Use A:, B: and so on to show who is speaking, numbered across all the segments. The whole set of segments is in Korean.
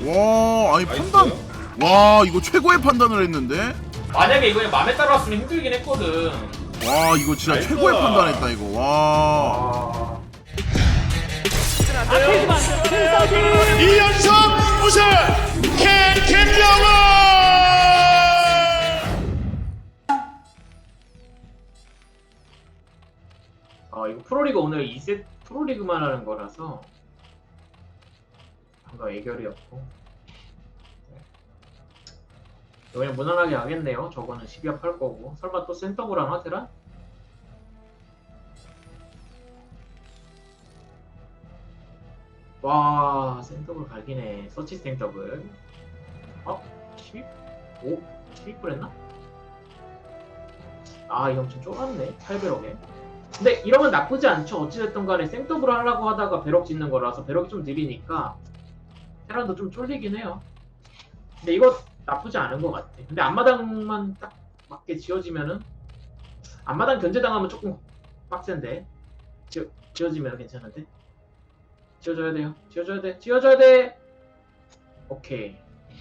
A: 와 아니
B: 나이스.
A: 판단 와 이거 최고의 판단을 했는데
C: 만약에 이거 맘에 따라왔으면 힘들긴 했거든.
A: 와 이거 진짜
B: 나이스.
A: 최고의 판단했다 이거 와
C: 아.
D: 이연속 우승 캔캔영어.
C: 이거 프로리그 오늘 2세 프로리그만 하는 거라서 뭔가 애결이 없고 그냥 무난하게 하겠네요. 저거는 12합 할 거고 설마 또 센터브랑 하더라? 와 센터블 갈기네. 서치 센터블 12? 5? 12불 했나? 아 이거 좀 쫄았네 800억에. 근데 이러면 나쁘지 않죠. 어찌됐든 간에 생더블을 하려고 하다가 배럭 짓는 거라서 배럭이 좀 느리니까 테란도 좀 쫄리긴 해요. 근데 이거 나쁘지 않은 것 같아. 근데 앞마당만 딱 맞게 지어지면은 앞마당 견제당하면 조금 빡센데 지어지면 괜찮은데 지어줘야 돼요. 지어줘야 돼. 지어줘야 돼. 오케이.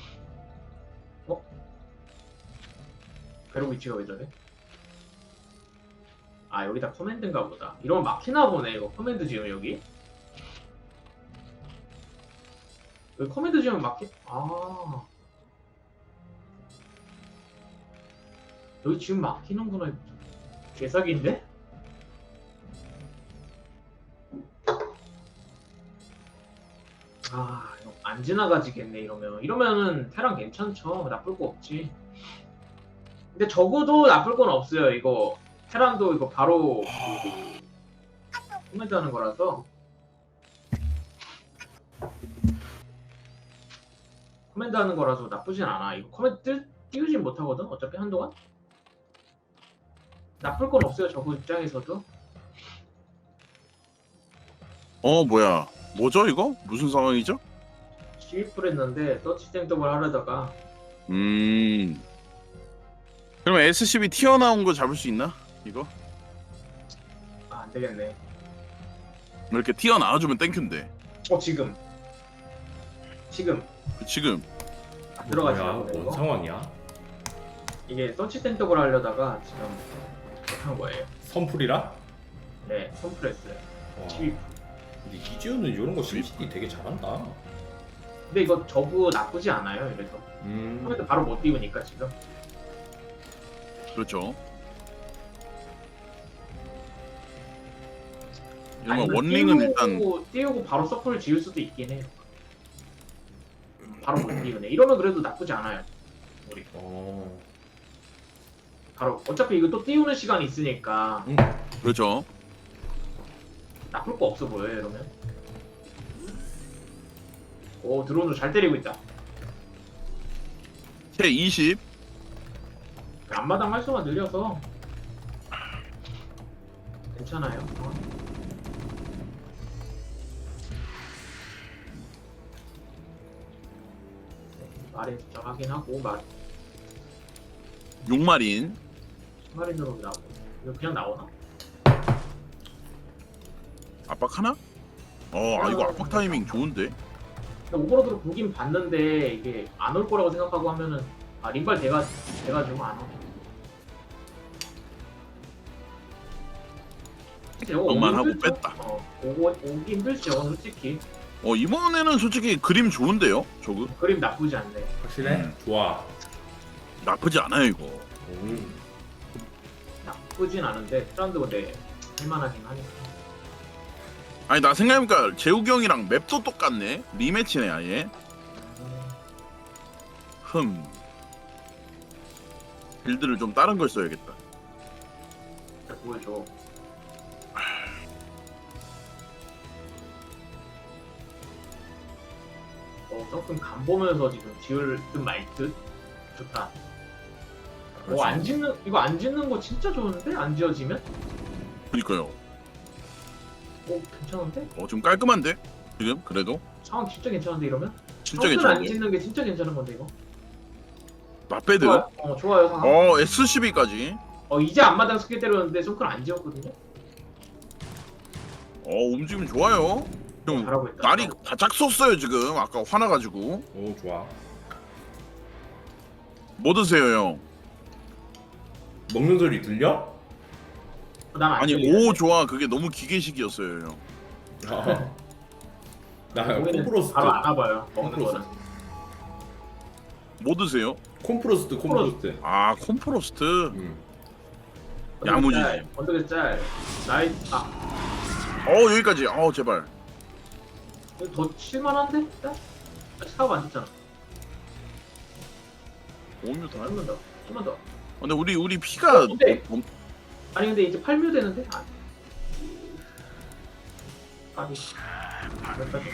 C: 배럭 위치가 왜 저래? 아 여기다 커맨드인가 보다. 이러면 막히나 보네 이거 커맨드 지으면 여기 커맨드 지으면 막히... 아 여기 지금 막히는구나. 개사기인데? 아 이거 안 지나가지겠네 이러면은 테란 괜찮죠. 나쁠 거 없지. 근데 적어도 나쁠 건 없어요. 이거 테란도 이거 바로 코멘트 하는 거라서 코멘트 하는 거라서 나쁘진 않아. 이거 코멘트 띄우진 못하거든 어차피 한동안. 나쁠 건 없어요 저거 입장에서도.
A: 뭐야 뭐죠 이거? 무슨 상황이죠?
C: 12불 했는데 서치 생더블 하려다가
A: 그러면 SCB 튀어나온 거 잡을 수 있나? 이거?
C: 안되겠네.
A: 이렇게 튀어나와주면 땡큐인데
C: 지금
A: 지금
C: 들어가지
B: 뭐야?
C: 않네
B: 뭔
C: 이거.
B: 상황이야?
C: 이게 서치 센터블 하려다가 지금 한 거예요.
B: 선풀이라?
C: 네 손프레스
B: 와.
C: 12불.
B: 근데 이지훈은 이런 거 심시티 되게 잘한다.
C: 근데 이거 저구 나쁘지 않아요. 이래서 코멘트 바로 못 띄우니까 지금.
A: 그렇죠.
C: 아니면
A: 이러면 원링은
C: 띄우고 바로 서플을 지을 수도 있긴 해요. 바로 못 띄우네. 이러면 그래도 나쁘지 않아요. 우리 바로 어차피 이거 또 띄우는 시간이 있으니까
A: 그렇죠.
C: 나쁠 거 없어 보여요. 이러면. 오 드론으로 잘 때리고 있다.
A: 채 20.
C: 앞마당 활성화 늘려서 괜찮아요. 마린 숫자 확인하고
A: 6마린.
C: 마린으로 나오고 이거 그냥 나오나?
A: 압박 하나? 이거 압박 타이밍 좋은데?
C: 근데 오버로드로 보긴 봤는데 이게 안 올 거라고 생각하고 하면은 링발 돼가지고 안 와.
A: 만 하고 뺐다.
C: 오기 힘들죠 솔직히.
A: 이번에는 솔직히 그림 좋은데요? 저거?
C: 그림 나쁘지 않네.
B: 확실해? 좋아.
A: 나쁘지 않아요 이거.
C: 나쁘진 않은데 트란드 근데 할만하긴 하니까.
A: 아니 나 생각해보니까 재욱이 형이랑 맵도 똑같네. 리매치네 아예. 빌드를 좀 다른 걸 써야겠다.
C: 보여줘. 조금 간 보면서 지금 지을 듯 말 듯. 좋다. 안 짓는 이거 안 짓는 거 진짜 좋은데 안 지어지면?
A: 그니까요.
C: 괜찮은데?
A: 좀 깔끔한데? 지금 그래도
C: 상황 진짜 괜찮은데 이러면?
A: 진짜
C: 안
A: 괜찮은데?
C: 짓는 게 진짜 괜찮은 건데 이거.
A: 나배드.
C: 좋아요 상황.
A: SCB까지.
C: 이제 앞마당 스킬 때렸는데 손클 안 지었거든요.
A: 움직임 좋아요. 형
C: 잘하고 있다.
A: 날이 바짝 섰어요 지금. 아까 화나가지고.
B: 오 좋아.
A: 뭐 드세요 형?
B: 먹는 소리 들려?
C: 난안
A: 아니
C: 들리는데.
A: 오 좋아. 그게 너무 기계식이었어요 형.
B: 아. 나
C: 거기는
B: 콤프로스트.
C: 바로 안 와봐요. 먹는
B: 콤프로스트.
C: 거는.
A: 뭐 드세요?
B: 콤프로스트.
A: 아 콤프로스트.
C: 언덕에
A: 야무지지.
C: 짤, 언덕에 짤. 나이
A: 여기까지. 제발.
C: 이거 더 칠만한데? 일단? 아직 사업 안 됐잖아.
A: 5뮤 더.
C: 좀만 더. 좀만 더.
A: 근데 우리 피가
C: 근데- 아니 근데 이제 8뮤 되는데? 아니. 여기까지.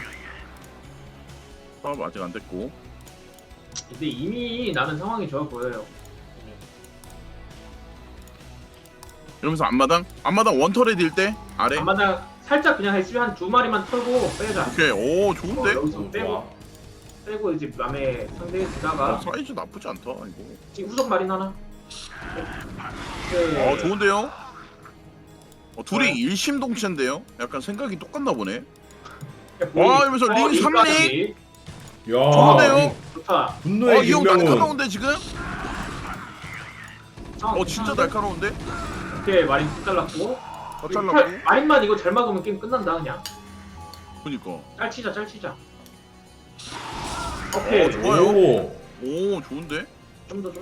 A: 사업 아직 안 됐고.
C: 근데 이미 나는 상황이 좋아 보여요.
A: 이러면서 앞마당 원터레디일 때 아래.
C: 아마다 살짝 그냥 했으면 한 두 마리만 털고 빼자.
A: 오케이. 오 좋은데.
C: 여기서
B: 오,
C: 빼고
B: 좋아.
C: 빼고 이제 남의 상대에 두다가
A: 사이즈 나쁘지 않다 이거.
C: 지금 후속 마린 하나. 네.
A: 좋은데요? 둘이 일심동체인데요? 약간 생각이 똑같나 보네. 와, 이러면서 링
C: 링까지.
B: 야.
A: 좋은데요?
C: 좋다.
B: 분노의
A: 이 형
B: 김명훈.
A: 날카로운데 지금? 진짜
C: 괜찮은데?
A: 날카로운데?
C: 오케이 마린 tout 잘랐고.
A: 더 잘랐고.
C: 마린만 이거 잘 막으면 게임 끝난다 그냥.
A: 그니까.
C: 짤 치자. 오케이.
A: 좋아요.
B: 오.
A: 오, 좋은데?
C: 좀 더.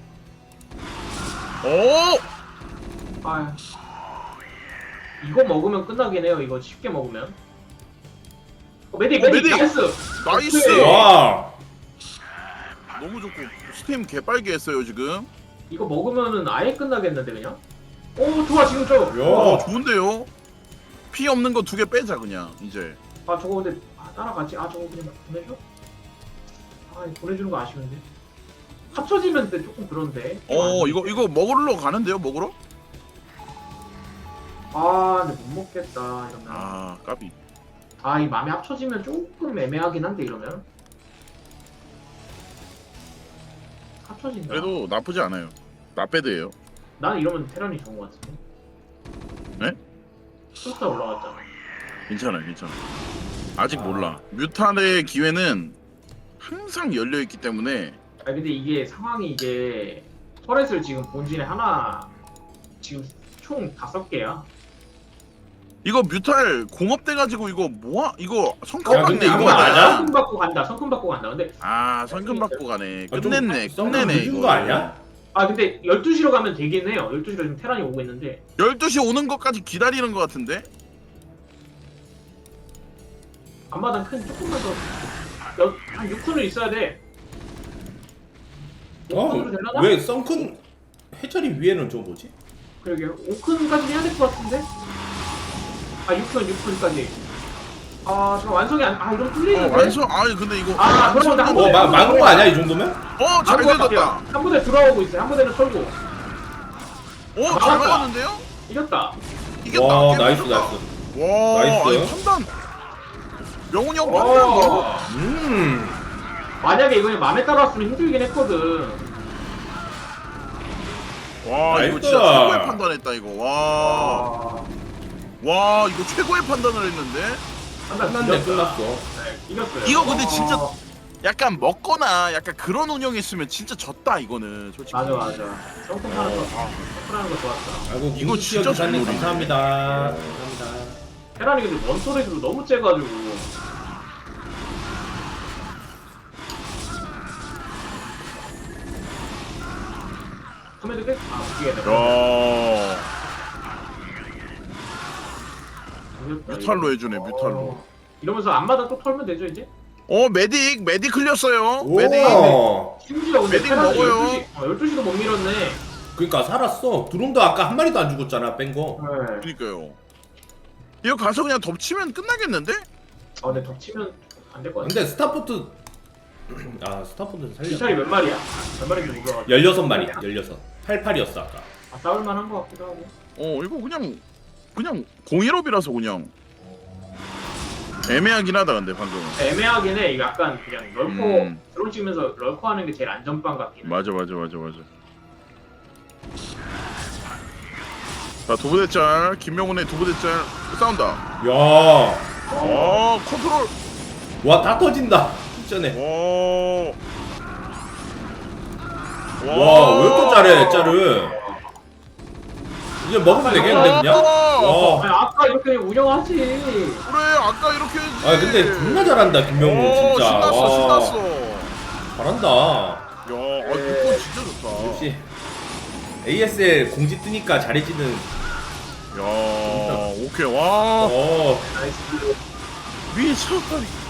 A: 오!
C: 아. 이거 먹으면 끝나긴 해요. 이거 쉽게 먹으면. 메딕
A: 메딕!
C: 나이스.
A: 나이스!
C: 오케이.
B: 와.
A: 너무 좋고. 스팀 개빨개 했어요, 지금.
C: 이거 먹으면은 아예 끝나겠는데 그냥. 오 좋아 지금 저.
B: 야.
A: 좋은데요? 피 없는 거 2개 빼자, 그냥, 이제.
C: 아 저거 근데 따라가지. 저거 그냥 보내줘? 보내주는 거 아쉬운데. 합쳐지면 근데 조금 그런데.
A: 이거 먹으러 가는데요, 먹으러?
C: 근데 못 먹겠다 이러면.
A: 까비.
C: 이 맘에 합쳐지면 조금 애매하긴 한데 이러면. 합쳐진다.
A: 그래도 나쁘지 않아요. 나빼드예요.
C: 나는 이러면 테란이 좋은 것 같은데.
A: 네?
C: 숫자 올라갔잖아.
A: 괜찮아요. 아직 몰라. 뮤탄의 기회는 항상 열려있기 때문에.
C: 근데 이게 상황이 이게 터렛을 지금 본진에 하나 지금 총 5개야.
A: 이거 뮤탈 공업돼가지고 이거 뭐야? 이거
B: 야,
A: 성큼
B: 근데
A: 받네
B: 이거
A: 이거.
B: 맞아?
C: 성금 받고 간다. 근데
A: 성큼 받고 가네.
B: 좀
A: 끝냈네.
B: 썸
A: 끝내네
B: 늦은
A: 이거.
B: 거 아니야?
C: 근데 12시로 가면 되긴 해요. 12시로 지금 테란이 오고 있는데
A: 12시 오는 것까지 기다리는 것 같은데?
C: 앞마당 큰 조금만 한 6푼은 있어야 돼. 5푼으로 되려나?
B: 왜 썬큰 해처리 위에는 저 뭐지?
C: 그러게요. 5푼까지 해야 될 것 같은데? 6푼까지. 잠깐 완성이 이런 뚫리는데?
A: 완성. 근데 이거.
C: 그러면 나
B: 어, 막은 거 아니야 이 정도면?
A: 잘 되졌다.
C: 한 부대 들어오고 있어요. 한 부대는 털고.
A: 잘
C: 막았다.
A: 막았는데요?
C: 이겼다.
A: 이겼다.
B: 와
A: 게임
B: 나이스.
A: 이겼다. 와,
B: 나이스.
A: 아니, 판단. 명훈이 형 판단 봐.
C: 만약에 이거 맘에 따라왔으면 힘들긴 했거든.
A: 와, 이거
B: 나이스.
A: 진짜 최고의 판단했다 이거. 와, 이거 최고의 판단을 했는데.
B: 끝났네 끝났어.
C: 이겼어요.
A: 이거 근데 진짜 약간 먹거나 약간 그런 운영했으면 진짜 졌다 이거는 솔직히.
C: 맞아. 성큼 하는 거 좋았다.
B: 아이고
A: 이거
B: 이거
A: 진짜
B: 진짜 기사님
A: 좋은
B: 감사합니다.
C: 테란이 근데 원소리로 너무 째가지고. 커맨드 끝? 뒤에다.
A: 야,
C: 이겼다,
A: 뮤탈로
C: 이거.
A: 해주네, 뮤탈로.
C: 이러면서 앞마다 또 털면 되죠 이제?
A: 메딕 흘렸어요.
B: 오.
A: 메딕.
C: 심지어 근데
A: 메딕
C: 테란이
A: 먹어요.
C: 12시도 못 밀었네.
B: 그러니까 살았어. 드론도 아까 한 마리도 안 죽었잖아 뺀 거.
C: 네.
A: 그니까요. 이거 가서 그냥 덮치면 끝나겠는데?
C: 근데 덮치면 안 될 것 같아.
B: 근데 스타포트 스타포트 살려.
C: 기차이 몇 마리야? 몇 마리인지 몰라.
B: 16마리 16. 88이었어 아까.
C: 싸울만한 것 같기도 하고.
A: 이거 그냥 공일업이라서 그냥 애매하긴 하다 근데 방금.
C: 애매하긴 해. 이거 약간 그냥 럴커
A: 음.
C: 드론 찍으면서 럴커 하는 게 제일 안전빵 같긴 해.
A: 맞아. 자, 두부대짤 김명훈의 두부대짤 싸운다.
B: 야.
A: 컨트롤.
B: 와, 다 터진다. 진짜네. 와, 왜 이렇게 잘해, 짜르. 이제 먹으면 되겠는데, 그냥? 와.
C: 아니, 아까 이렇게 운영하지.
A: 그래 아까 이렇게 했지.
B: 아, 근데 존나 잘한다, 김명우, 진짜.
A: 신났어
B: 와.
A: 신났어.
B: 잘한다.
A: 야, 이거 진짜 좋다.
B: 역시. ASL 공지 뜨니까 잘해지는.
A: 야, 오케이 와.
B: 어.
C: 나이스.
A: 미쳤다.